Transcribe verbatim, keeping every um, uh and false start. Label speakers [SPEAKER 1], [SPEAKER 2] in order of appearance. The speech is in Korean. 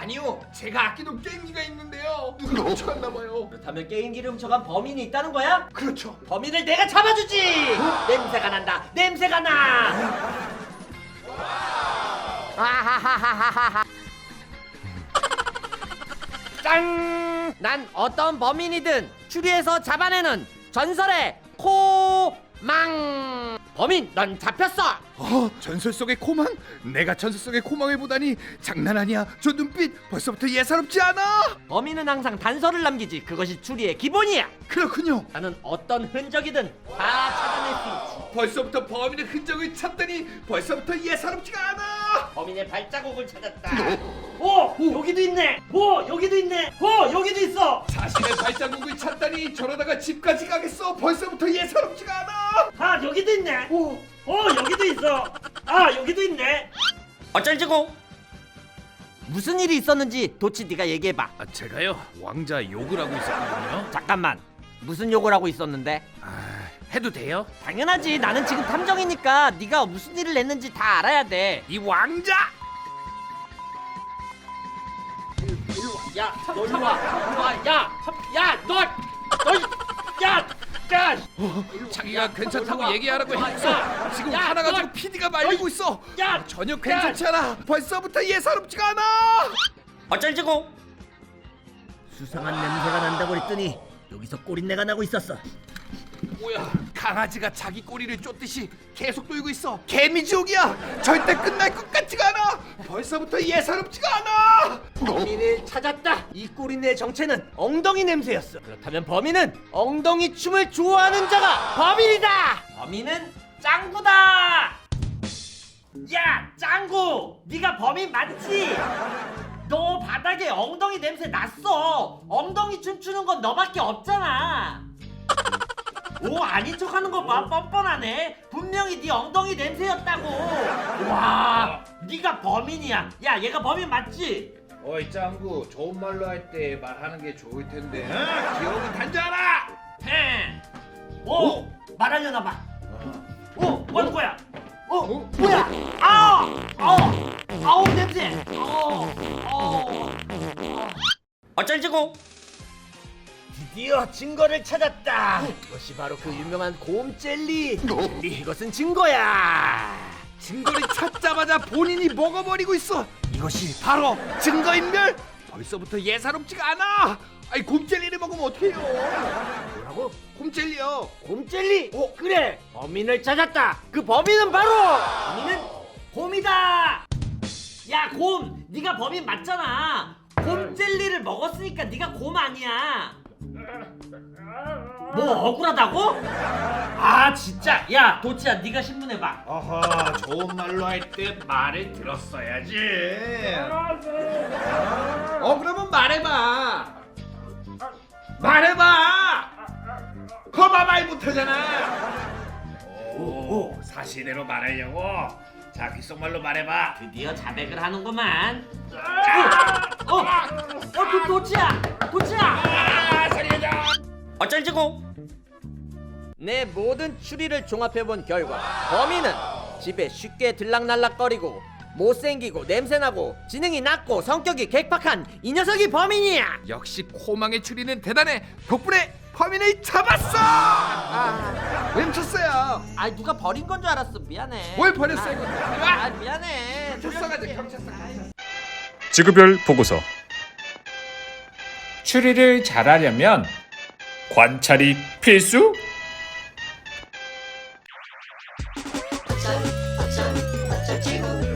[SPEAKER 1] 아니요, 제가 아끼던 게임기가 있는데요. 누가 훔쳐갔나봐요.
[SPEAKER 2] 그렇다면 게임기를 훔쳐간 범인이 있다는 거야?
[SPEAKER 1] 그렇죠.
[SPEAKER 2] 범인을 내가 잡아주지. 냄새가 난다. 냄새가 나. 아하하하하하. 짠! 난 어떤 범인이든 추리해서 잡아내는 전설의 코망. 범인, 넌 잡혔어.
[SPEAKER 1] 어, 전설 속의 코망? 내가 전설 속의 코망을 보다니 장난 아니야. 저 눈빛 벌써부터 예사롭지 않아.
[SPEAKER 2] 범인은 항상 단서를 남기지. 그것이 추리의 기본이야.
[SPEAKER 1] 그렇군요.
[SPEAKER 2] 나는 어떤 흔적이든 다 찾아낼 수 있지.
[SPEAKER 1] 벌써부터 범인의 흔적을 찾다니 벌써부터 예사롭지가 않아.
[SPEAKER 2] 범인의 발자국을 찾았다. 오, 여기도 있네. 오, 여기도 있네. 오, 여기도 있어.
[SPEAKER 1] 자신의 발자국을 찾다니 저러다가 집까지 가겠어. 벌써부터 예사롭지가 않아.
[SPEAKER 2] 아, 여기도 있네.
[SPEAKER 1] 오,
[SPEAKER 2] 오, 여기도 있어. 아, 여기도 있네. 어쩔지고? 무슨 일이 있었는지 도치 네가 얘기해봐.
[SPEAKER 1] 아, 제가요 왕자 욕을 하고 있었거든요.
[SPEAKER 2] 잠깐만. 무슨 욕을 하고 있었는데?
[SPEAKER 1] 아, 해도 돼요?
[SPEAKER 2] 당연하지. 나는 지금 탐정이니까 네가 무슨 일을 했는지 다 알아야 돼.
[SPEAKER 1] 이 왕자!
[SPEAKER 2] 야, 너 일로 와. 일로 와. 야, 야, 너, 너, 야, 야.
[SPEAKER 1] 자기가 괜찮다고 얘기하라고
[SPEAKER 2] 야,
[SPEAKER 1] 했어.
[SPEAKER 2] 야,
[SPEAKER 1] 지금
[SPEAKER 2] 야,
[SPEAKER 1] 화나 가지고
[SPEAKER 2] 너,
[SPEAKER 1] 피디가 말리고
[SPEAKER 2] 너,
[SPEAKER 1] 있어.
[SPEAKER 2] 야,
[SPEAKER 1] 전혀
[SPEAKER 2] 야.
[SPEAKER 1] 괜찮지 않아. 벌써부터 예사롭지가 않아.
[SPEAKER 2] 어쩔지고? 수상한 냄새가 난다고 그랬더니 여기서 꼬린내가 나고 있었어.
[SPEAKER 1] 뭐야? 강아지가 자기 꼬리를 쫓듯이 계속 돌고 있어. 개미지옥이야. 절대 끝날 것 같지가 않아. 벌써부터 예사롭지가 않아.
[SPEAKER 2] 범인을 찾았다. 이 꼬린내의 정체는 엉덩이 냄새였어. 그렇다면 범인은 엉덩이 춤을 좋아하는 자가 범인이다. 범인은 짱구다. 야, 짱구, 네가 범인 맞지? 너 바닥에 엉덩이 냄새 났어. 엉덩이 춤추는 건 너밖에 없잖아. 오, 아닌 척하는 거 봐. 뻔뻔하네. 분명히 네 엉덩이 냄새였다고. 와, 네가 범인이야. 야, 얘가 범인 맞지?
[SPEAKER 1] 어이 짱구, 좋은 말로 할 때 말하는 게 좋을 텐데. 어? 기억은 단자라.
[SPEAKER 2] 헤. 오, 말하려나 봐. 오, 뭐 하는 거야? 어, 뭐야? 아, 아우, 아우 냄새. 어, 어. 어쩔지고? 드디어 증거를 찾았다. 이것이 바로 그 유명한 곰 젤리. 젤리, 이것은 증거야.
[SPEAKER 1] 증거를 찾자마자 본인이 먹어버리고 있어. 이것이 바로 증거인멸. 벌써부터 예사롭지가 않아. 아이, 곰젤리를 먹으면 어떡해요?
[SPEAKER 2] 뭐라고?
[SPEAKER 1] 곰젤리요.
[SPEAKER 2] 곰 젤리? 어, 그래. 범인을 찾았다. 그 범인은 바로 범인은 곰이다. 야, 곰, 네가 범인 맞잖아. 곰 젤리를 먹었으니까 네가 곰 아니야. 뭐 억울하다고? 아, 진짜. 야, 도치야, 네가 신문해봐.
[SPEAKER 1] 아하, 좋은 말로 할 때 말을 들었어야지. 어, 그러면 말해봐. 말해봐. 거봐, 말 못하잖아. 오, 사실대로 말하려고. 자, 귓속말로 말해봐.
[SPEAKER 2] 드디어 자백을 하는구만. 어, 어, 어, 도, 도치야, 도치야.
[SPEAKER 1] 아, 살려줘.
[SPEAKER 2] 어쩔지고? 내 모든 추리를 종합해본 결과 범인은 집에 쉽게 들락날락거리고 못생기고 냄새나고 지능이 낮고 성격이 괴팍한 이 녀석이 범인이야.
[SPEAKER 1] 역시 코망의 추리는 대단해. 덕분에 범인을 잡았어. 아, 멈췄어요.
[SPEAKER 2] 아, 누가 버린 건 줄 알았어. 미안해.
[SPEAKER 1] 뭘 버렸어, 이거.
[SPEAKER 2] 아, 미안해.
[SPEAKER 1] 경찰서 가자, 경찰서.
[SPEAKER 3] 지구별 보고서. 추리를 잘하려면 관찰이 필수?
[SPEAKER 4] 어쩔 어쩔 어쩔 지구